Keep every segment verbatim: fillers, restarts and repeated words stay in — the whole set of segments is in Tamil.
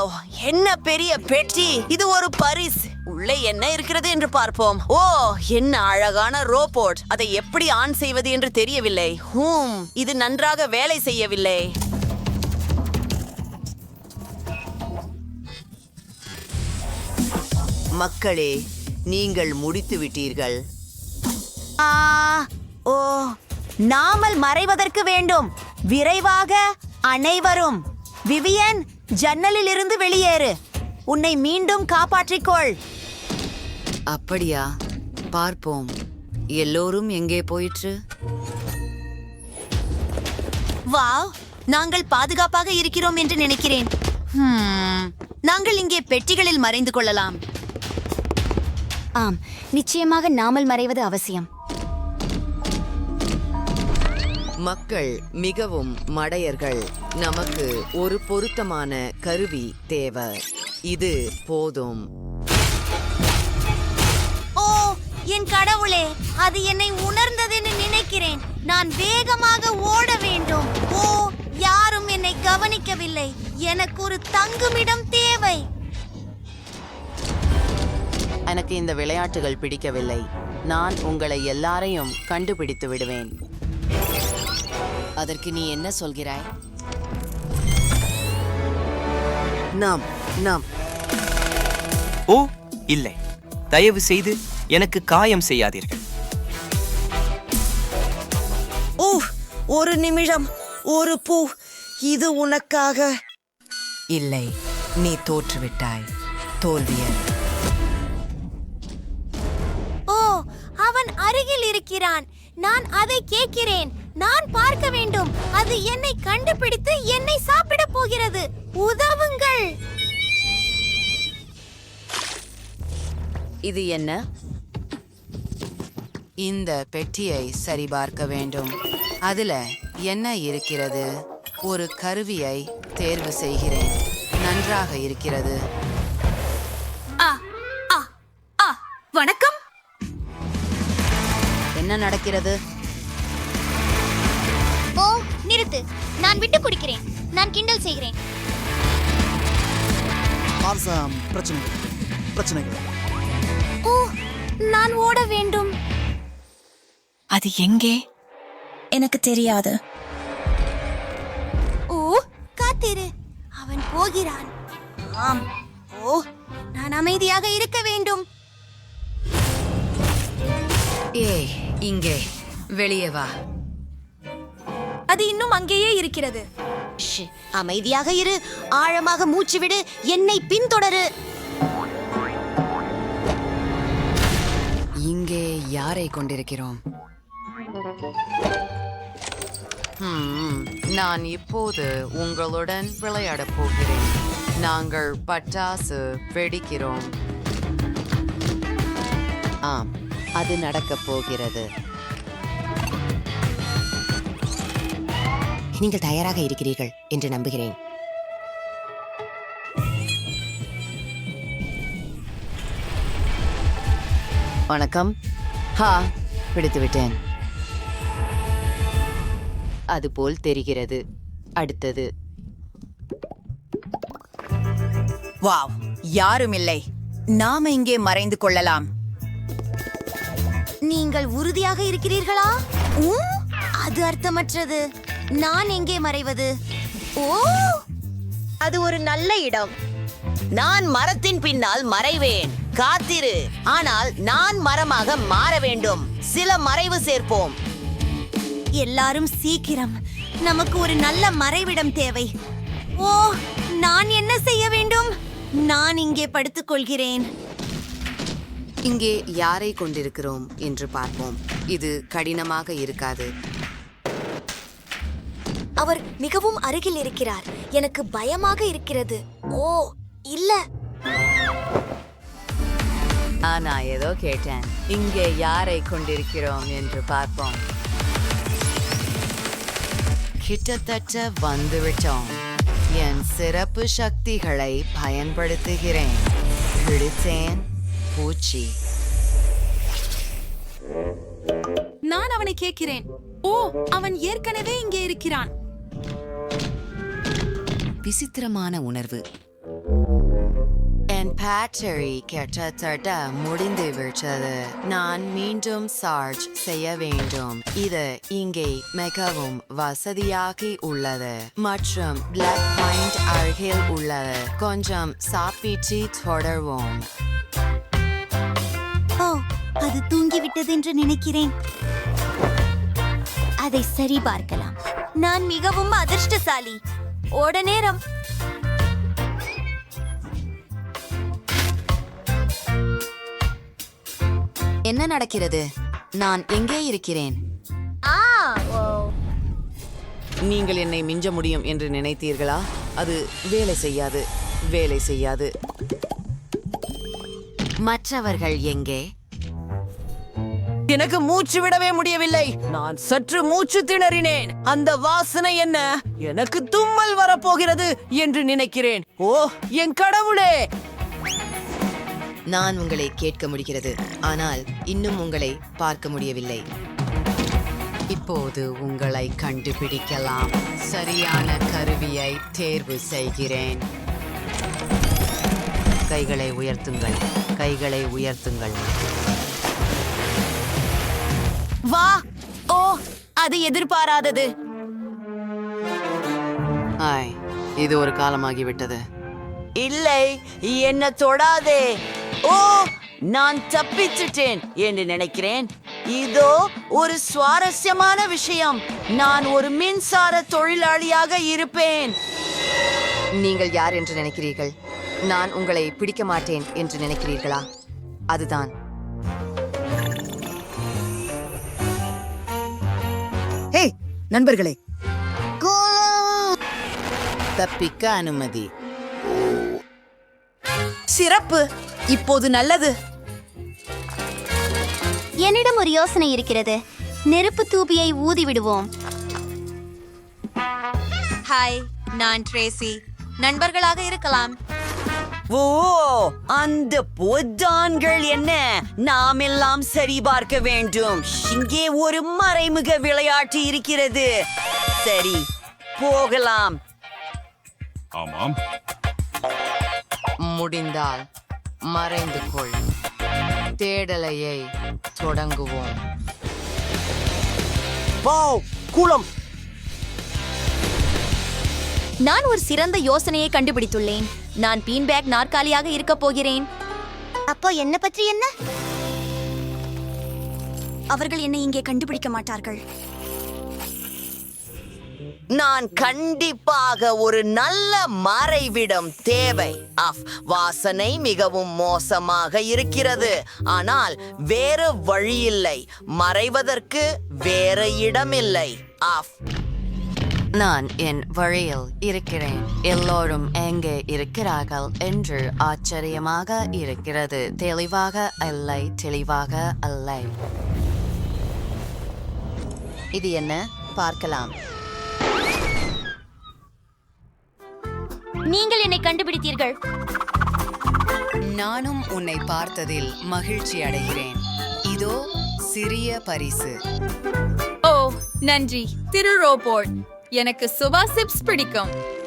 வாவ், என்ன பெரிய பெட்டி! இது ஒரு பரிசு. உள்ளே என்ன இருக்கிறது என்று பார்ப்போம். ஓ, என்ன அழகான ரோபோட்! அதை எப்படி ஆன் செய்வது என்று தெரியவில்லை. ஹூம், இது நன்றாக வேலை செய்யவில்லை. மக்களே, நீங்கள் முடித்து விட்டீர்கள். ஆ, ஓ, நாமல் மறைவதற்கு வேண்டும். விரைவாக அனைவரும். விவியன், ஜன்னலில் இருந்து வெளியேறு. உன்னை மீண்டும் காப்பாற்றிக்கொள். அப்படியா? பார்ப்போம். எல்லோரும் எங்கே போயிற்று? வாவ், நாங்கள் பாதுகாப்பாக இருக்கிறோம் என்று நினைக்கிறேன். ஹம், நாங்கள் இங்கே பெட்டிகளில் மறைந்து கொள்ளலாம். ஆம், நிச்சயமாக நாமல் மறைவது அவசியம். மக்கள் மிகவும் மடையர்கள். நமக்கு ஒரு பொருத்தமான கருவி தேவை. இது போதும். ஓ, என் கடவுளே, அது என்னை உணர்ந்ததுன்னு நினைக்கிறேன். நான் வேகமாக ஓட வேண்டும். ஓ, யாரும் என்னை கவனிக்கவில்லை. எனக்கு ஒரு தங்குமிடம் தேவை. எனக்கு இந்த விளையாட்டுகள் பிடிக்கவில்லை. நான் உங்களை எல்லாரையும் கண்டுபிடித்து விடுவேன். அதற்கு நீ என்ன சொல்கிறாய்? நாம் நாம் ஓ இல்லை, தயவு செய்து எனக்கு காயம் செய்யாதீர்கள். ஓ, ஒரு நிமிடம். ஒரு பூ. இது உனக்காக. இல்லை, நீ தோற்றுவிட்டாய். தோல்வியர். ஓ, அவன் அருகில் இருக்கிறான். நான் அதை கேட்கிறேன். நான் பார்க்க வேண்டும். அது என்னை கண்டுபிடித்து என்னை சாப்பிட போகிறது. உதவுங்கள். இது என்ன? இந்த பெட்டியை சரிபார்க்க வேண்டும். அதுல என்ன இருக்கிறது? ஒரு கருவியை தேர்வு செய்கிறேன். நன்றாக இருக்கிறது. ஆ, ஆ, ஆ, வணக்கம். என்ன நடக்கிறது? ஓ, நிறுத்து. நான் விட்டு குடிக்கிறேன். நான் கிண்டல் செய்கிறேன். ஓ, நான் ஓட வேண்டும். அது எங்கே? எனக்கு தெரியாது. ஓ, காத்திரு. அவன் போகிறான். ஆம். ஓ, நான் அமைதியாக இருக்க வேண்டும். ஏய், இங்கே வெளியே வா. அது இன்னும் அங்கேயே இருக்கிறது. அமைதியாக இரு. ஆழமாக மூச்சு விடு. என்னை பின்தொடரு. இங்கே யாரை கொண்டிருக்கிறோம்? ஹம், நான் இப்போது உங்களுடன் விளையாடப் போகிறேன். நாங்கள் பட்டாசு வெடிக்கிறோம். ஆம், அது நடக்கப் போகிறது. நீங்கள் தயாராக இருக்கிறீர்கள் என்று நம்புகிறேன். வணக்கம். ஹா, பிடித்து விட்டேன். அதுபோல் தெரிகிறது. அடுத்தது. வாவ், யாரும் இல்லை. நாம இங்கே மறைந்து கொள்ளலாம். நீங்கள் உறுதியாக இருக்கிறீர்களா? ஊ, அது அர்த்தமற்றது. நான் எங்கே மறைவது? ஓ, அது ஒரு நல்ல இடம். நான் மரத்தின் பின்னால் மறைவேன். காத்திரு. ஆனால் நான் மரமாக மாற வேண்டும். சில மறைவு சேர்ப்போம். எல்லாரும் சீக்கிரம். நமக்கு ஒரு நல்ல மறைவிடம் தேவை. ஓ, நான் என்ன செய்ய வேண்டும்? நான் இங்கே படுத்துக் கொள்கிறேன். இங்கே யாரை கொண்டிருக்கிறோம் என்று பார்ப்போம். இது கடினமாக இருக்காது. அவர் மிகவும் அருகில் இருக்கிறார். எனக்கு பயமாக இருக்கிறது. ஓ, இல்ல. நான் ஏதோ கேட்டேன். இங்கே யாரை கொண்டிருக்கிறோம் என்று பார்ப்போம். கிட்டத்தட்ட வந்துவிட்டோம். என் சிறப்பு சக்திகளை பயன்படுத்துகிறேன். பிடித்தேன். பூச்சி. நான் அவனை கேட்கிறேன். ஓ, அவன் ஏற்கனவே இங்கே இருக்கிறான். விசித்திரமான உணர்வு. பேட்டரி கிட்டத்தட்ட முடிந்து விட்டது. நான் மீண்டும் சார்ஜ் செய்ய வேண்டும். இது இங்கே மிகவும் வசதியாக உள்ளது மற்றும் பிளாக் பாயிண்ட் அருகில் உள்ளது. கொஞ்சம் சாப்பிட்டு தொடர்வோம். ஓ, அது தூங்கிவிட்டது என்று நினைக்கிறேன். அதை சரி பார்க்கலாம். நான் மிகவும் அதிர்ஷ்டசாலி. ஓட நேரம். என்ன நடக்கிறது? நான் எங்கே இருக்கிறேன்? ஆ, ஓ. நீங்கள் என்னை மிஞ்ச முடியும் என்று நினைத்தீர்களா? அது வேலை செய்யாது, வேலை செய்யாது. மற்றவர்கள் எங்கே? எனக்கு மூச்சு விடவே முடியவில்லை. நான் சற்று மூச்சு திணறினேன். அந்த வாசனை என்ன? எனக்கு தும்மல் வரப்போகிறது என்று நினைக்கிறேன். ஓ என் கடவுளே! நான் உங்களை கேட்க முடிகிறது, ஆனால் இன்னும் உங்களை பார்க்க முடியவில்லை. இப்போது உங்களை கண்டுபிடிக்கலாம். சரியான கருவியை தேர்வு செய்கிறேன். கைகளை உயர்த்துங்கள், கைகளை உயர்த்துங்கள். வா! ஓ, அது எதிர்பாராதது. ஆய், இது ஒரு காலமாகிவிட்டது. இல்லை, என்ன தொடாதே. ஓ, நான் தப்பிச்சிட்டேன் என்று நினைக்கிறேன். இதோ ஒரு சுவாரஸ்யமான விஷயம். நான் ஒரு மின்சார தொழிலாளியாக இருப்பேன். நீங்கள் யார் என்று நினைக்கிறீர்கள்? நான் உங்களை பிடிக்க மாட்டேன் என்று நினைக்கிறீர்களா? அதுதான். ஹே நண்பர்களே, தப்பிக்க அனுமதி. சிறப்பு. இப்போது நல்லது. என்னிடம் ஒரு யோசனை இருக்கிறது. நெருப்பு தூபியை ஊதி விடுவோம். ஹாய், நான் ட்ரேசி. நண்பர்களாக இருக்கலாம். ஓ, அந்த பொத்தான்கள் என்ன? நாம் எல்லாம் சரி பார்க்க வேண்டும். இங்கே ஒரு மறைமுக விளையாட்டு இருக்கிறது. சரி, போகலாம். ஆமாம், முடிந்தால் மறைந்து கொள். தேடலையை தொடங்குவோம். குளம். நான் ஒரு சிறந்த யோசனையை கண்டுபிடித்துள்ளேன். நான் பீன்பேக் நாற்காலியாக இருக்க போகிறேன். அப்போ என்ன பற்றி என்ன? அவர்கள் என்னை இங்கே கண்டுபிடிக்க மாட்டார்கள். நான் கண்டிப்பாக ஒரு நல்ல மறைவிடம் தேவை. அஃப், வாசனை மிகவும் மோசமாக இருக்கிறது. ஆனால் வேறு வழியில்லை. மறைவதற்கு வேற இடமில்லை. அஃப், நான் என் வழியில் இருக்கிறேன். எல்லோரும் எங்கே இருக்கிறார்கள் என்று ஆச்சரியமாக இருக்கிறது. தெளிவாக இல்லை, தெளிவாக இல்லை. இது என்ன? பார்க்கலாம். நீங்கள் என்னை கண்டுபிடித்தீர்கள். நானும் உன்னை பார்த்ததில் மகிழ்ச்சி அடைகிறேன். இதோ சிறிய பரிசு. ஓ, நன்றி திரு ரோபோட். எனக்கு சுபா சிப்ஸ் பிடிக்கும்.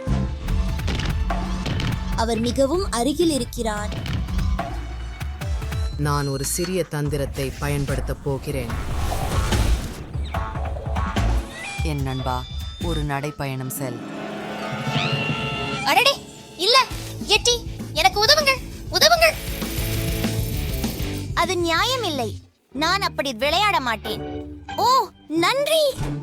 அவர் மிகவும் அருகில் இருக்கிறார். நான் ஒரு சிறிய தந்திரத்தை பயன்படுத்தப் போகிறேன். என் நண்பா, ஒரு நடைப்பயணம் செல். அடடே, இல்ல எட்டி, எனக்கு உதவுங்கள், உதவுங்கள். அது நியாயம் இல்லை. நான் அப்படி விளையாட மாட்டேன். ஓ, நன்றி.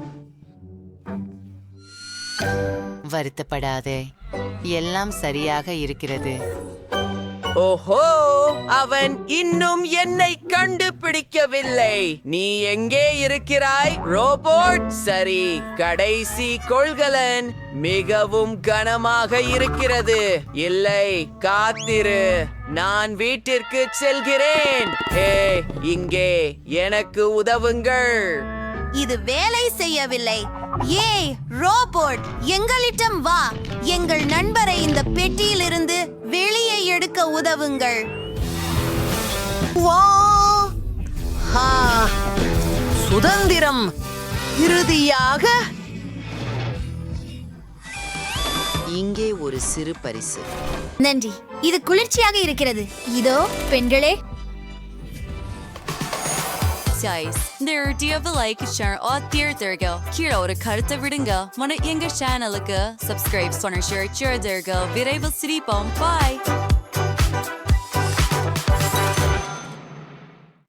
வருத்தப்படாதே, எல்லாம் சரியாக இருக்கிறது. ஓஹோ, அவன் இன்னும் என்னை கண்டுபிடிக்கவில்லை. நீ எங்கே இருக்கிறாய் ரோபோட்? சரி, கடைசி கொள்கலன் மிகவும் கனமாக இருக்கிறது. இல்லை, காத்திரு, நான் வீட்டிற்கு செல்கிறேன். ஹே, இங்கே எனக்கு உதவுங்கள். இது வேலை செய்யவில்லை. ஏய் ரோபோட், எங்களிடம் வா. எங்கள் நண்பரை இந்த பெட்டியிலிருந்து வெளியே எடுக்க உதவுங்கள். வா! ஹா! சுதந்திரம் இறுதியாக. இங்கே ஒரு சிறு பரிசு. நன்றி, இது குளிர்ச்சியாக இருக்கிறது. இதோ பெண்களே. guys, நேரடியாக லைக் ஷேர் ஆ தீர்த்தர்க கீழே ஒரு கருத்தை விடுங்க. மன எங்க சேனலுக்கு சப்ஸ்கிரைப் பண்ண ஷேர் செய்தீர்கள். விரைவில் சிரிப்போம். பாய்.